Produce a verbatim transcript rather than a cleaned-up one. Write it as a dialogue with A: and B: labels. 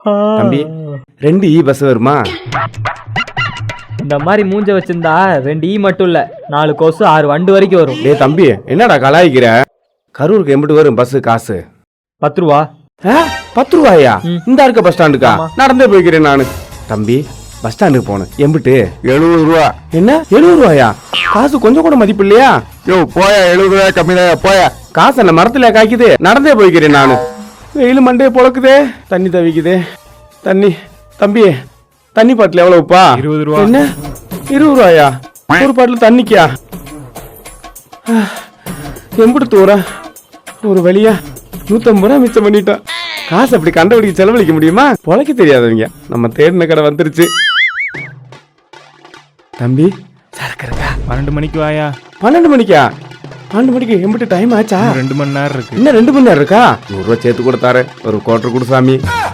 A: தம்பி ரெண்டு ஈ பஸ் வருமா?
B: இந்த மாதிரி மூஞ்ச வச்சிருந்தா ரெண்டு ஈ மட்டும் இல்ல நாலு கொசு ஆறு வண்டு வரைக்கும் வரும்.
A: டேய் தம்பி என்னடா கலாய்க்கிற? கரூருக்கு எம்பிட்டு வரும் பஸ் காசு?
B: பத்து ரூபா.
A: பத்து ரூபாயா? இந்த இருக்க பஸ் ஸ்டாண்டுக்கா? நடந்தே போய்க்கிறேன் நானு. தம்பி பஸ் ஸ்டாண்டுக்கு போனேன் எம்பிட்டு?
C: எழுபது ரூபா.
A: என்ன எழுபது ரூபாயா? காசு கொஞ்சம் கூட மதிப்பு இல்லையா?
C: யோ போயா, எழுபது ரூபாய் கம்மி தான் போயா.
A: காசு என்ன மரத்துல காய்க்குது? நடந்தே போய்க்கிறேன் நானு. வெயில் மண்டே பொழக்குதே, தண்ணி தவிக்குதே. தண்ணி தம்பி தண்ணி பாட்டில் எவ்வளவுப்பா?
C: இருபது ரூபா.
A: என்ன இருபது ரூபாயா? ஒரு பாட்டில் தண்ணிக்கா? எம்பிட்டு தூரம் ஒரு வழியா நூத்தம்பது ரூபா மிச்சம் பண்ணிட்டோம். காசு அப்படி கண்டபடிக்கு செலவழிக்க முடியுமா? பொழைக்க தெரியாதவங்க நம்ம தேடின கடை வந்துருச்சு. தம்பி சரக்கு இருக்கா?
C: பன்னெண்டு மணிக்கு வாயா.
A: பன்னெண்டு மணிக்கா? பன்னெண்டு மணிக்கு எம்பிட்டு டைம் ஆச்சா?
C: ரெண்டு மணி நேரம் இருக்கு.
A: இன்னும் ரெண்டு மணி நேரம் இருக்கா? நூறு ரூபா சேர்த்து கொடுத்தாரு. ஒரு குவார்டர் கொடு சாமி.